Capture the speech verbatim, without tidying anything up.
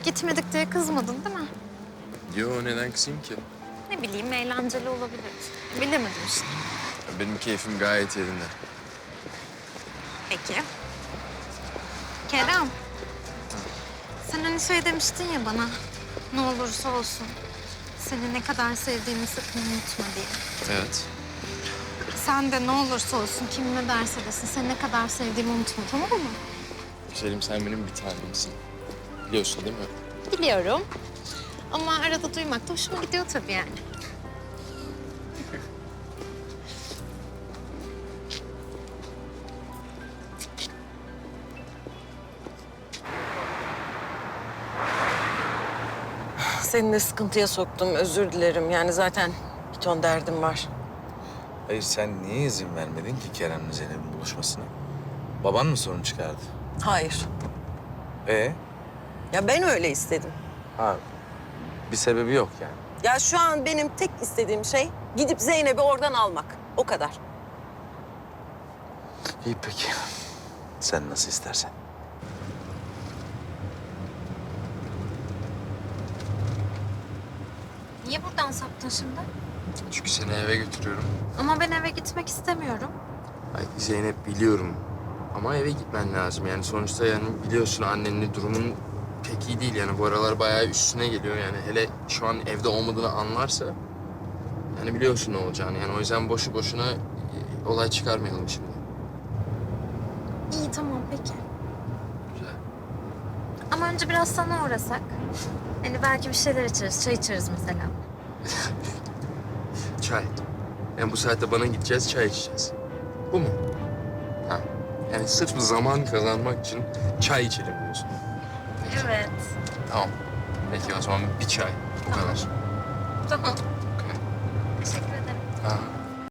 Gitmedik diye kızmadın değil mi? Yo, neden kızayım ki? Ne bileyim, eğlenceli olabilir. Bilemedim işte. Benim keyfim gayet yerinde. Peki. Kerem. Sen hani şey demiştin ya bana, ne olursa olsun seni ne kadar sevdiğimi sakın unutma diye. Evet. Sen de ne olursa olsun, kim ne derse desin seni ne kadar sevdiğimi unutma, tamam mı? Selim, sen benim bir tanemsin. Biliyorsun değil mi? Biliyorum. Ama arada duymak da hoşuma gidiyor tabii yani. Seni de sıkıntıya soktum, özür dilerim. Yani zaten bir ton derdim var. Hayır, sen niye izin vermedin ki Kerem'le Zeynep'in buluşmasına? Baban mı sorun çıkardı? Hayır. Ee? Ya ben öyle istedim. Ha, bir sebebi yok yani. Ya şu an benim tek istediğim şey gidip Zeynep'i oradan almak. O kadar. İyi peki. Sen nasıl istersen. Niye buradan saptın şimdi? Çünkü seni eve götürüyorum. Ama ben eve gitmek istemiyorum. Ay Zeynep, biliyorum. Ama eve gitmen lazım. Yani sonuçta yani biliyorsun annenin durumun pek iyi değil. Yani bu aralar bayağı üstüne geliyor. Yani hele şu an evde olmadığını anlarsa... Yani biliyorsun ne olacağını. Yani o yüzden boşu boşuna e, olay çıkarmayalım şimdi. İyi tamam peki. Güzel. Ama önce biraz sana uğrasak. Hani belki bir şeyler içeriz, çay içeriz mesela. Çay. Yani bu saatte bana gideceğiz, çay içeceğiz. Bu mu? Ha. Yani sırf zaman kazanmak için çay içelim diyorsun. Evet. Tamam. Peki o zaman bir çay. Bu kadar. Tamam. Okey. Teşekkür ederim. Ha.